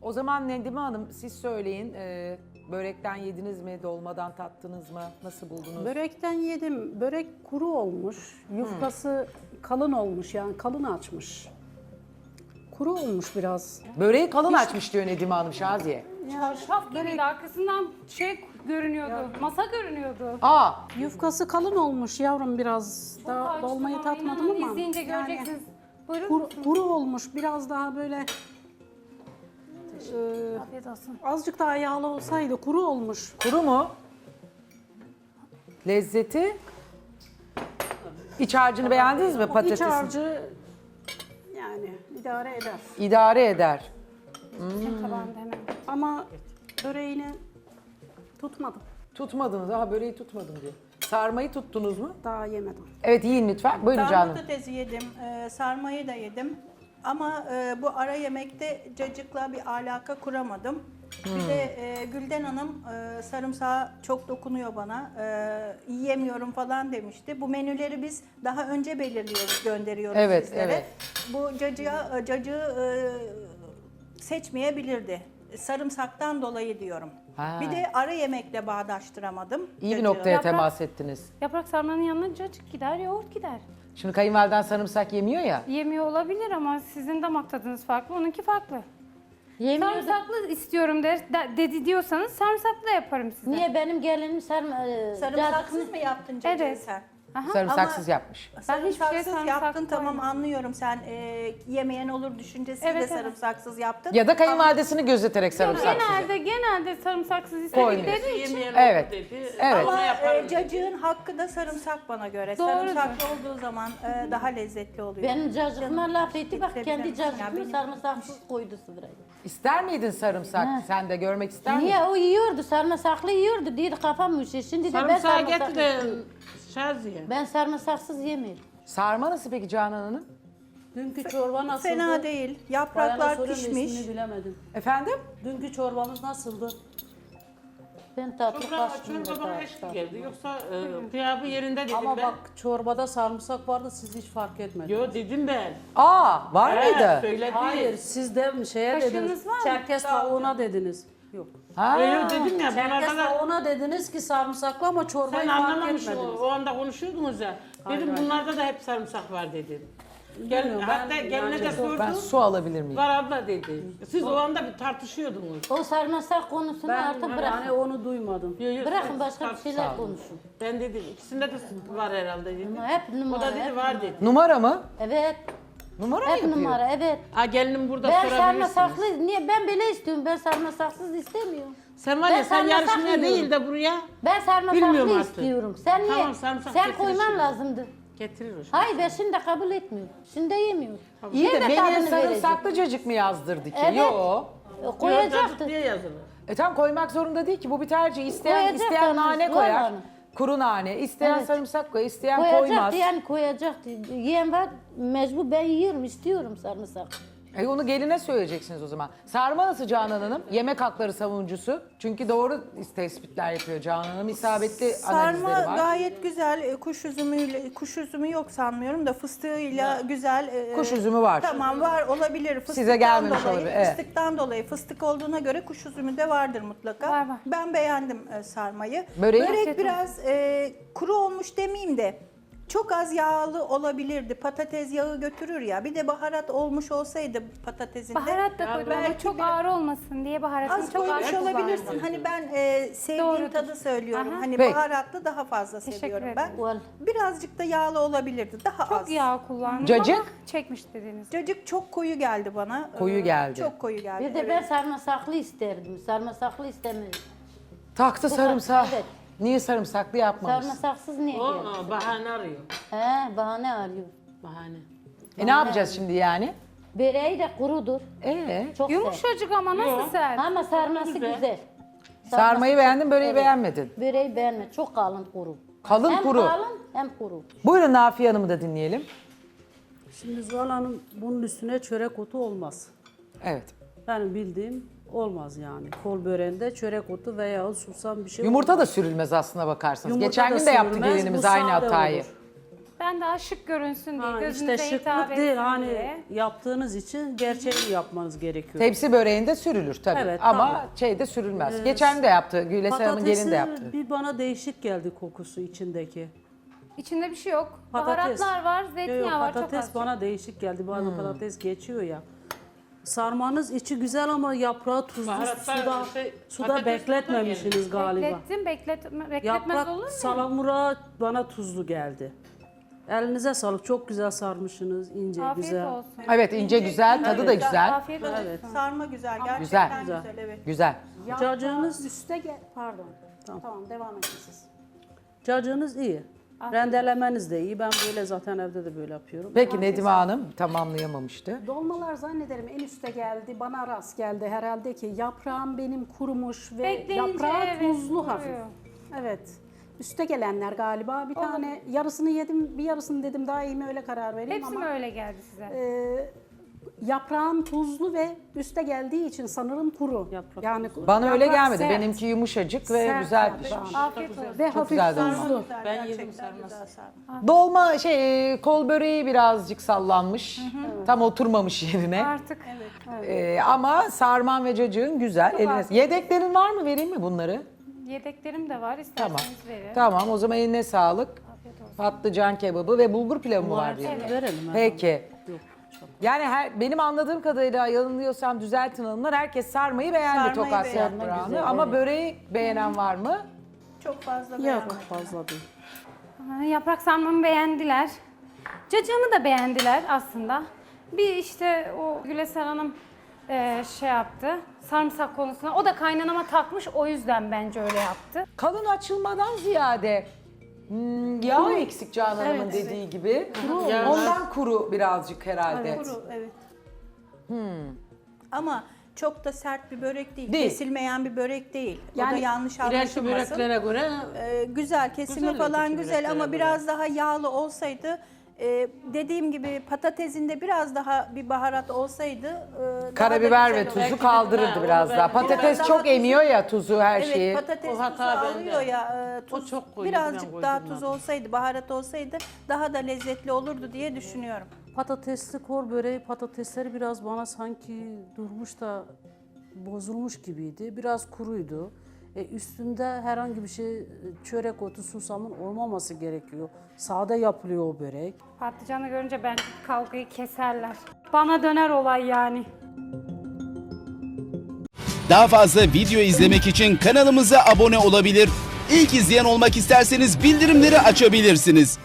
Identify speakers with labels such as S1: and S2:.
S1: O zaman Nedime Hanım siz söyleyin. Börekten yediniz mi? Dolmadan tattınız mı? Nasıl buldunuz?
S2: Börekten yedim. Börek kuru olmuş. Yufkası kalın olmuş yani kalın açmış. Kuru olmuş biraz.
S1: Böreği kalın açmış diyor Nedime Hanım Şaziye.
S3: Şaf gibiydi. Arkasından şey görünüyordu. Masa görünüyordu.
S1: Aa,
S2: Yufkası kalın olmuş yavrum biraz. Daha dolmayı tatmadım ama.
S3: İzleyince göreceksiniz. Buyurun.
S2: Kuru olmuş biraz daha böyle
S3: Afiyet olsun.
S2: azıcık daha yağlı olsaydı kuru olmuş.
S1: kuru mu? Lezzeti? İç harcını beğendiniz mi
S2: İç
S1: patatesin?
S2: harcı yani idare eder.
S1: İdare eder.
S3: Tabağında hemen.
S2: Ama böreğini tutmadım.
S1: Tutmadınız. Aha böreği tutmadım diyor. Sarmayı tuttunuz mu?
S2: Daha yemedim.
S1: Evet yiyin lütfen. Buyurun
S4: Ben
S1: canım.
S4: patatesi yedim, sarmayı da yedim. Ama bu ara yemekte cacıkla bir alaka kuramadım. Bir de Gülden Hanım sarımsağı çok dokunuyor bana. Yiyemiyorum falan demişti. Bu menüleri biz daha önce belirliyoruz, gönderiyoruz
S1: Evet,
S4: sizlere.
S1: evet.
S4: Bu cacığı seçmeyebilirdi. Sarımsaktan dolayı diyorum.
S1: Ha.
S4: Bir de ara yemekle bağdaştıramadım.
S1: İyi bir
S4: cacığı.
S1: noktaya
S3: Yaprak-
S1: temas ettiniz.
S3: Yaprak sarmanın yanına cacık gider, yoğurt gider.
S1: Şimdi kayınvaliden sarımsak yemiyor ya.
S3: Yemiyor olabilir ama sizin damak tadınız farklı, onunki farklı.
S5: Yemiyor da
S3: Sarımsaklı istiyorum dedi diyorsanız sarımsaklı yaparım size.
S5: niye benim gelinim
S4: Sarımsaksız mı yaptın cacığı
S3: Evet.
S4: sen?
S3: Aha.
S1: Sarımsaksız yapmış.
S3: Ben hiçbir şeye
S4: Sarımsaksız
S3: sarımsak
S4: yaptın tamam
S3: koymadım.
S4: anlıyorum sen yemeyen olur düşüncesiyle
S3: Evet, evet.
S4: sarımsaksız yaptın.
S1: Ya da kayınvalidesini gözeterek sarımsaksız.
S3: Genelde sarımsaksız
S1: Koymuyor.
S3: istedikleri için.
S1: Evet. Evet.
S4: Ama cacığın hakkı da sarımsak bana göre.
S3: Doğrudur.
S4: Sarımsaklı olduğu zaman daha lezzetli oluyor.
S5: benim cacıkıma laf etti bak
S4: Tabii
S5: kendi
S4: canım. Ya
S5: cacıkını
S4: benim-
S5: sarımsaksız koydu sırayı.
S1: İster miydin sarımsak? Sen de görmek ister miydin?
S5: Niye o yiyordu sarımsaklı yiyordu dedi kafam üşüyor. Şimdi de ben
S6: Sarımsağı
S5: sarımsaklı
S6: getir de
S5: istiyorum.
S6: Şaziye.
S5: Ben sarımsaksız yemiyorum.
S1: Sarma nasıl peki Canan Hanım?
S2: Dünkü çorba nasıldı?
S4: Fena değil.
S2: Bayana
S4: Yapraklar
S2: soruyorum,
S4: pişmiş.
S2: ismini bilemedim.
S1: Efendim?
S2: Dünkü çorbamız nasıldı?
S5: Ben tatlı
S6: Çorba
S5: kaçtım
S6: çorba bana eşlik geldi. Yoksa kıyabı yerinde dedim
S2: Ama
S6: ben.
S2: bak çorbada sarımsak vardı siz hiç fark etmediniz.
S6: Yo dedim ben.
S1: Aa, var mıydı?
S6: Söyledi.
S2: Hayır siz de şeye
S3: Kaşığınız
S2: dediniz.
S3: var mı?
S2: Çerkez tavuğuna dediniz. Yok.
S1: Ha.
S6: Yo dedim ya
S2: Çerkez
S6: bunlarda da
S2: tavuğuna dediniz ki sarımsaklı ama çorbayı
S6: sen
S2: fark
S6: anlamamışsın.
S2: etmediniz.
S6: O anda konuşuyordunuz ya. Dedim bunlarda da hep sarımsak var dedim. Gel,
S2: Bilmiyorum,
S6: hatta
S2: ben
S6: geline de
S2: yani
S6: sordum.
S1: Ben su alabilir miyim?
S6: Var abla dedi. Siz o anda bir tartışıyordunuz.
S5: O sarımsak konusunu
S2: Ben
S5: artık bırakın.
S2: yani onu duymadım.
S6: Yo, yo,
S5: Bırakın
S6: siz
S5: başka bir
S6: tartış-
S5: şeyler konuşun.
S6: Ben dedim ikisinde de var herhalde dedim.
S5: Ama hep
S6: O
S5: numara.
S6: da dedi
S5: hep
S6: var
S5: numara.
S6: dedi.
S1: Numara mı?
S5: Evet.
S1: Numara mı
S5: Hep
S1: yapıyor?
S5: numara evet.
S6: Ha gelinim burada
S5: Ben
S6: sorabilirsiniz.
S5: sarımsaklı niye ben böyle istiyorum ben sarımsaksız istemiyorum.
S6: Sen var
S5: Ben
S6: ya sen
S5: sarımsak
S6: yarışmaya
S5: yiyorum.
S6: değil de buraya
S5: Ben
S6: Bilmiyorum
S5: sarımsaklı
S6: artık.
S5: istiyorum. Sen niye?
S6: Tamam, sarımsak
S5: Sen
S6: getirir
S5: koyman
S6: şimdi.
S5: lazımdı.
S6: getirir o şey.
S5: Hayır ben şimdi kabul etmiyorum. Şimdi yemiyorum.
S1: İyi de
S5: Yeme
S1: menüye
S5: tadını
S1: sarımsaklı cacık mı yazdırdı ki?
S5: Evet.
S1: Yo.
S5: verecek. Koyacaktı.
S6: diye yazılır.
S1: Tam koymak zorunda değil ki. Bu bir tercih. İsteyen
S5: Koyacak
S1: isteyen
S5: tabii,
S1: nane
S5: Zuhal
S1: koyar.
S5: Hanım.
S1: Kuru nane. İsteyen
S5: Evet.
S1: sarımsak koyar, isteyen koymaz.
S5: Koyacaktı yani koyacaktı. Yiyen var mecbur ben yiyorum istiyorum sarımsak.
S1: Onu geline söyleyeceksiniz o zaman. Sarma nasıl Canan Hanım? Yemek hakları savunucusu. Çünkü doğru tespitler yapıyor Canan Hanım. İsabetli analizleri
S4: Sarma
S1: var.
S4: gayet güzel. Kuş üzümü yok sanmıyorum da fıstığıyla güzel.
S1: Kuş üzümü var.
S4: Tamam var olabilir.
S1: Size gelmemiş
S4: dolayı,
S1: olabilir, evet.
S4: Fıstıktan dolayı. Fıstık olduğuna göre kuş üzümü de vardır mutlaka.
S3: Var, var.
S4: Ben beğendim sarmayı.
S1: Böreği?
S4: Börek biraz kuru olmuş demeyeyim de çok az yağlı olabilirdi. Patates yağı götürür ya. Bir de baharat olmuş olsaydı patatesinde.
S3: Baharat da koydum ama
S4: belki
S3: çok
S4: bir-
S3: ağır olmasın diye baharatını
S4: Az
S3: çok ağır
S4: koymuş olabilirsin.
S3: kullandım.
S4: Hani ben sevdiğim
S3: Doğrudur.
S4: tadı söylüyorum.
S3: Aha.
S4: Hani
S1: Peki.
S4: baharatlı daha fazla
S3: Teşekkür
S4: seviyorum
S3: ederim.
S4: ben.
S5: Ol.
S4: Birazcık da yağlı olabilirdi. Daha
S3: Çok
S4: az.
S3: yağ kullandım
S1: Cacık?
S3: ama çekmiş dediğiniz.
S4: Cacık çok koyu geldi bana.
S1: Koyu geldi.
S4: Çok koyu geldi.
S5: Bir de ben sarımsaklı isterdim. Sarımsaklı istemiyorum.
S1: Taktı sarımsağı.
S5: Evet.
S1: Niye sarımsaklı yapmamış?
S5: Sarımsaksız niye
S6: O
S5: geldi?
S6: bahane arıyor.
S5: He bahane arıyor.
S6: Bahane.
S1: Ne yapacağız şimdi yani?
S5: Böreği de kurudur. Çok sert.
S3: Yumuşacık ama nasıl sert?
S5: Ama sarması güzel.
S1: Sarmayı beğendin, böreği
S5: Evet.
S1: beğenmedin.
S5: Böreği beğenme. Çok kalın kuru.
S1: Kalın
S5: hem
S1: kuru.
S5: kalın hem kuru.
S1: Buyurun Nafiye Hanım'ı da dinleyelim.
S2: Şimdi Zuhal Hanım bunun üstüne çörek otu olmaz.
S1: Evet.
S2: Benim bildiğim olmaz yani. Kol böreğinde çörek otu veya susam bir şey
S1: Yumurta
S2: olmaz.
S1: da sürülmez aslına bakarsanız.
S2: Yumurta
S1: Geçen
S2: da
S1: gün de yaptı
S2: sürülmez,
S1: gelinimiz
S2: bu
S1: aynı
S2: sade
S1: hatayı.
S2: olur.
S3: Ben börekten daha şık görünsün diye,
S7: Ha,
S3: gözünüze
S7: işte
S3: hitap
S7: şıklık
S3: etsin
S7: değil hani
S3: diye.
S7: yaptığınız için gerçeğini yapmanız gerekiyor.
S1: Tepsi böreğinde sürülür tabii
S7: Evet,
S1: ama
S7: tabii.
S1: şeyde sürülmez. Geçen de yaptı, Güles Hanım'ın gelini de yaptı.
S7: Bir bana değişik geldi kokusu içindeki.
S3: İçinde bir şey yok.
S7: Patates.
S3: Baharatlar var,
S7: Yok,
S3: zeytinyağı var, çok
S7: patates
S3: az.
S7: bana değişik geldi. Bazen patates geçiyor ya. Sarmanız içi güzel ama yaprağı tuzlu
S6: Baharatlar,
S7: suda
S6: patates
S7: bekletmemişsiniz galiba.
S3: Bekletmez
S7: Yaprak
S3: olur mu?
S7: salamura bana tuzlu geldi. Elinize sağlık. Çok güzel sarmışsınız. İnce,
S3: Afiyet
S7: güzel.
S3: olsun.
S1: Evet ince güzel, tadı da güzel.
S3: Afiyet olsun.
S7: Evet.
S4: Sarma güzel, gerçekten
S1: Güzel.
S4: güzel, evet.
S1: Güzel.
S7: Cacığınız-
S2: üste gel. Pardon. Tamam devam edin siz.
S7: Cacığınız iyi. Rendelemeniz de iyi. Ben böyle zaten evde de böyle yapıyorum.
S1: Peki Nedime Hanım tamamlayamamıştı.
S2: Dolmalar zannederim en üste geldi. Bana rast geldi herhalde ki yaprağım benim kurumuş ve
S3: Bekleyince
S2: yaprağı
S3: evet,
S2: tuzlu
S3: kuruyor.
S2: hafif. Evet. Üste gelenler galiba. Bir tane yarısını yedim, bir yarısını dedim daha iyi mi öyle karar vereyim
S3: Hepsi mi
S2: ama
S3: öyle geldi size?
S2: yaprağım tuzlu ve üste geldiği için sanırım kuru.
S7: Yaprak
S2: yani
S1: Bana öyle
S2: yaprak
S1: gelmedi.
S2: sert.
S1: Benimki yumuşacık ve
S2: Sert
S1: güzel
S2: tabii.
S1: pişmiş.
S3: Afiyet olsun.
S2: Ve
S1: Çok
S2: hafif
S1: güzel dolma.
S2: tuzlu.
S4: Güzel,
S6: Ben yedim
S4: gerçekten
S6: sarması.
S4: güzel sarma.
S1: Dolma kol böreği birazcık sallanmış. Tam oturmamış yerine.
S3: Artık
S1: Ama sarman ve cacığın güzel. Eline... Yedeklerin var mı? Vereyim mi bunları?
S3: yedeklerim de var,
S1: Tamam.
S3: isterseniz verin.
S1: Tamam o zaman eline sağlık. Patlıcan kebabı ve bulgur pilavı mı var diyor.
S7: Verelim. hemen.
S1: Peki.
S7: Yok, çok.
S1: Yani benim anladığım kadarıyla yanılıyorsam düzeltin hanımlar. Herkes sarmayı beğendi
S4: Sarmayı
S1: Tokat
S4: beğendi,
S1: yaprağını.
S7: güzel,
S1: Ama
S7: evet.
S1: böreği beğenen var mı?
S4: Çok fazla
S7: Yok
S4: beğenmedim.
S7: fazla değil.
S3: Yaprak sarmamı beğendiler. Cacığımı da beğendiler aslında. Bir işte o Güleser Hanım şey yaptı. Sarımsak konusuna. O da kaynanama takmış, o yüzden bence öyle yaptı.
S1: Kalın açılmadan ziyade yağ eksik Canan Hanım'ın dediği gibi. Ondan kuru birazcık herhalde.
S4: Kuru, evet. Ama çok da sert bir börek değil.
S1: Değil.
S4: Kesilmeyen bir börek değil. O da
S2: Yani
S4: yanlış
S6: İleriki
S4: anlaşılmasın.
S6: böreklere göre
S4: Güzel, kesimi
S6: Güzel
S4: falan
S6: öteki
S4: güzel ama
S6: böreklere
S4: biraz daha yağlı olsaydı, dediğim gibi patatesinde biraz daha bir baharat olsaydı daha da
S1: Karabiber
S4: güzel
S1: ve
S4: olur.
S1: tuzu
S6: Belki de-
S1: kaldırırdı
S6: Ha,
S1: biraz
S6: onu
S1: daha.
S6: ben-
S1: Patates
S4: Biraz daha
S1: çok
S4: tuzu-
S1: emiyor ya tuzu her şeyi.
S4: Evet, patates
S6: O
S4: tuzu
S6: hata bende.
S4: alıyor ya, tuz,
S6: çok koyuyordu, ben
S4: birazcık daha
S6: koydurmadım.
S4: tuz olsaydı, baharat olsaydı daha da lezzetli olurdu diye düşünüyorum.
S7: Patatesli kor böreği patatesleri biraz bana sanki durmuş da bozulmuş gibiydi. Biraz kuruydu. Üstünde herhangi bir şey çörek otu, susamın olmaması gerekiyor. Sade yapılıyor o börek.
S3: Patlıcanı görünce bence kavgayı keserler. Bana döner olay yani.
S8: Daha fazla video izlemek için kanalımıza abone olabilir. İlk izleyen olmak isterseniz bildirimleri açabilirsiniz.